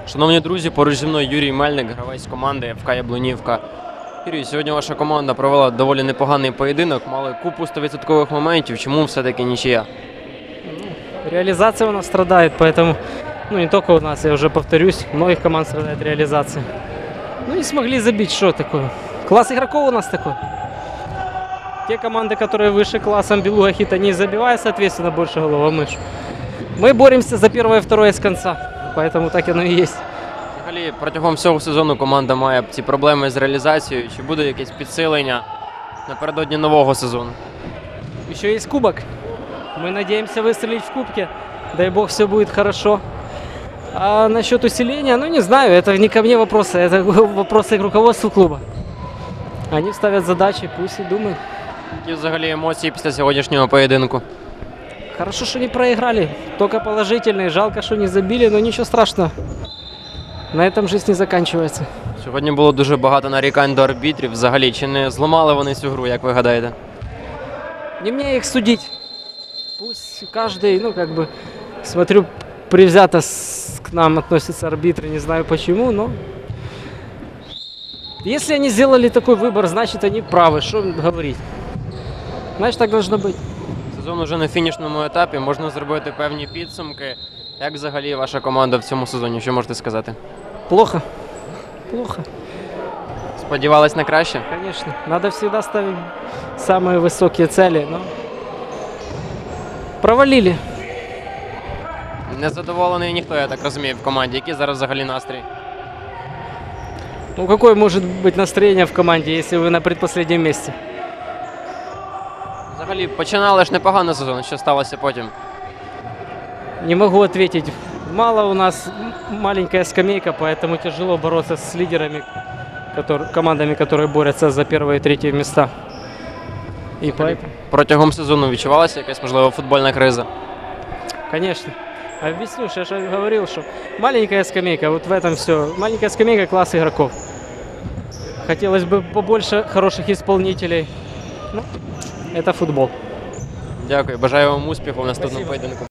Шановні друзі, поруч зі мною Юрій Мельник, гравець команди ФК Яблунівка. Юрій, сьогодні ваша команда провела доволі непоганий поєдинок, мали купу 100% моментів. Чому все-таки нічия? Реализация у нас страдает, поэтому, не только у нас, я уже повторюсь, у многих команд страдает реализация. Не смогли забить, что такое. Класс игроков у нас такой. Те команды, которые выше классом, Белуга, Хит, они забивают, соответственно, больше голов, а мы боремся за первое и второе с конца, поэтому так оно и есть. Взагалі, протягом всього сезону команда має ці проблеми з реалізацією. Чи буде якесь підсилення напередодні нового сезону? Еще есть кубок. Мы надеемся выстрелить в кубке. Дай бог, все будет хорошо. А насчет усиления, не знаю, это не ко мне вопросы, это вопросы к руководству клуба. Они ставят задачи, пусть и думают. Які взагалі емоції після сьогоднішнього поєдинку? Хорошо, что не проиграли, только положительные. Жалко, что не забили, но ничего страшного. На этом жизнь не заканчивается. Сьогодні було дуже багато нарікань до арбітрів. Взагалі, чи не зламали вони цю гру, як ви гадаєте? Не мне их судить. Пусть каждый, смотрю, предвзято к нам относятся арбитры, не знаю почему, но... Если они сделали такой выбор, значит они правы, что говорить. Значит, так должно быть. Сезон уже на фінішному етапі, можна зробити певні підсумки. Як взагалі ваша команда в цьому сезоні, що можете сказати? Плохо. Плохо, Сподівались на краще? конечно. Надо всегда ставить самые высокие цели, но... Провалили. Незадоволений ніхто, я так розумію, в команді. Який зараз взагалі настрій? Какое может быть настроение в команде, если вы на предпоследнем месте? Взагалі, починали ж непогано сезон, що сталося потім? Не могу ответить. Мало у нас маленькая скамейка, поэтому тяжело бороться с лидерами, командами, которые борются за первые и третье места. И поэтому, Протягом сезону відчувалася якась, можливо, футбольна криза? конечно. Объясню, я же говорил, что маленькая скамейка, вот в этом все. Маленькая скамейка, класс игроков. Хотелось бы побольше хороших исполнителей. Это футбол. Дякую, бажаю вам успіху в наступному Спасибо. поєдинку.